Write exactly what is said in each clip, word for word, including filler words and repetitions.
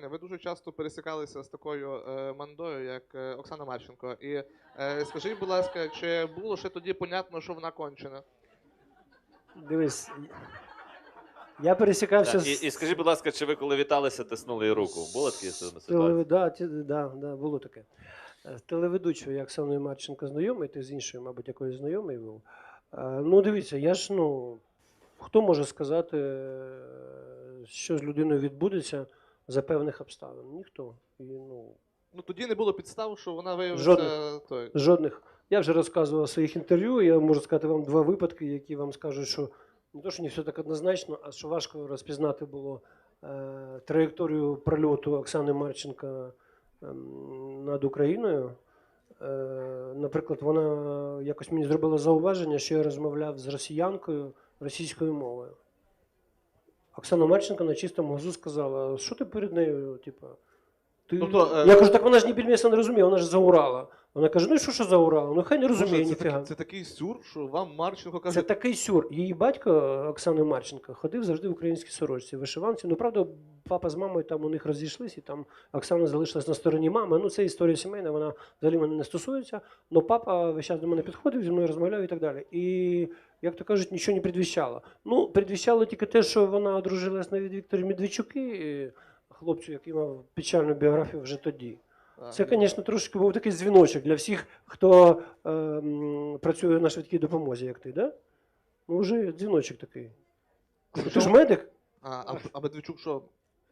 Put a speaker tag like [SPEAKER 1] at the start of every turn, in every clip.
[SPEAKER 1] ви дуже часто пересікалися з такою е, мандою, як е, Оксана Марченко. І е, скажіть, будь ласка, чи було ще тоді понятно, що вона кончена?
[SPEAKER 2] Дивись, я пересікався
[SPEAKER 3] Так,
[SPEAKER 2] з...
[SPEAKER 3] і, і скажіть, будь ласка, чи ви коли віталися, тиснули їй руку? Було такі ситуації?
[SPEAKER 2] Телев... Да, ті- да, да, було таке. З телеведучою я Оксаною Марченко знайомий, ти з іншою, мабуть, якоюсь знайомий був. Е, Ну, дивіться, я ж, ну, хто може сказати, е, що з людиною відбудеться за певних обставин? Ніхто. І, ну,
[SPEAKER 1] Ну тоді не було підстав, що вона виявиться
[SPEAKER 2] Жодних.
[SPEAKER 1] той.
[SPEAKER 2] жодних. Я вже розказував в своїх інтерв'ю, я можу сказати вам два випадки, які вам скажуть, що не то, що не все так однозначно, а що важко розпізнати було е, траєкторію прольоту Оксани Марченко ем, над Україною. Е, наприклад, вона якось мені зробила зауваження, що я розмовляв з росіянкою російською мовою. Оксана Марченко на чистому глазу сказала, що ти перед нею, типу, ти...
[SPEAKER 1] Тобто, е,
[SPEAKER 2] Я кажу, так вона ж ні більмеса не розуміє, вона ж заурала. Вона каже, ну і що, що заурала? Ну хай не розуміє,
[SPEAKER 1] Боже, це,
[SPEAKER 2] ніфіга.
[SPEAKER 1] такий, це такий сюр, що вам Марченко каже.
[SPEAKER 2] Це такий сюр. Її батько Оксани Марченко ходив завжди в українській сорочці, в вишиванці. Ну, правда, папа з мамою там у них розійшлись, і там Оксана залишилась на стороні мами. Ну, це історія сімейна, вона взагалі мене не стосується. Але папа весь час до мене підходив, зі мною розмовляв і так далі. І, як то кажуть, нічого не предвіщало. Ну, предвіщало тільки те, що вона одружилась на Вікторі Медведчуки, хлопцю, який мав печальну біографію вже тоді.
[SPEAKER 1] А,
[SPEAKER 2] Це, звісно, трошки був такий дзвіночок для всіх, хто е, м, працює на швидкій допомозі, як ти, да? Ну, вже дзвіночок такий. Ти ж медик?
[SPEAKER 1] А, а, а Медведчук що?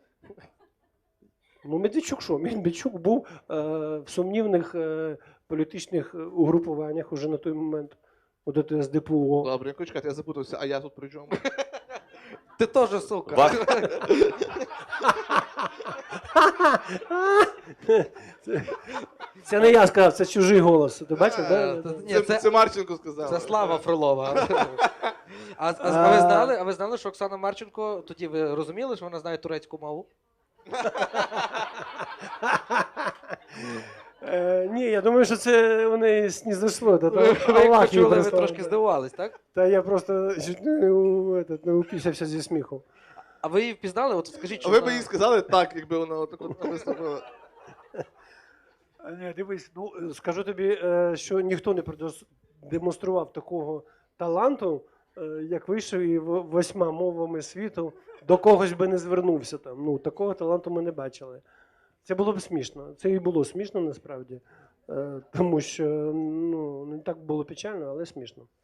[SPEAKER 2] Ну, Медведчук що? Медведчук був е, в сумнівних е, політичних угрупуваннях уже на той момент. От це з ді пе о.
[SPEAKER 1] Добре, я чекайте, я запутався, а я тут при чому?
[SPEAKER 4] Ти теж, сука.
[SPEAKER 3] Ва-
[SPEAKER 2] Це- Це не я сказав, це чужий голос. Ти бачив,
[SPEAKER 1] Е,
[SPEAKER 2] да?
[SPEAKER 4] та- Ні,
[SPEAKER 1] це,
[SPEAKER 4] це-
[SPEAKER 1] це Марченко сказав.
[SPEAKER 4] Це Слава Фролова. А, а, а, ви знали, а ви знали, що Оксана Марченко, тоді ви розуміли, що вона знає турецьку мову?
[SPEAKER 2] Е, ні, я думаю, що це вони снізошло. Та,
[SPEAKER 4] Ви, ви як
[SPEAKER 2] Аллах їй
[SPEAKER 4] почули, ви
[SPEAKER 2] прислав.
[SPEAKER 4] трошки здивувались, так?
[SPEAKER 2] Та я просто чуть не, у- этот, не упісявся зі сміху.
[SPEAKER 4] А ви її впізнали? От скажіть,
[SPEAKER 1] А
[SPEAKER 4] що
[SPEAKER 1] ви б
[SPEAKER 4] вона...
[SPEAKER 1] їй сказали так, якби вона отак от виступила.
[SPEAKER 2] А, ні, дивись, ну е, скажу тобі, е, що ніхто не продемонстрував такого таланту, е, як вийшов і в- восьма мовами світу до когось би не звернувся там. Ну, такого таланту ми не бачили. Це було б смішно. Це і було смішно насправді, е, тому що ну, не так було печально, але смішно.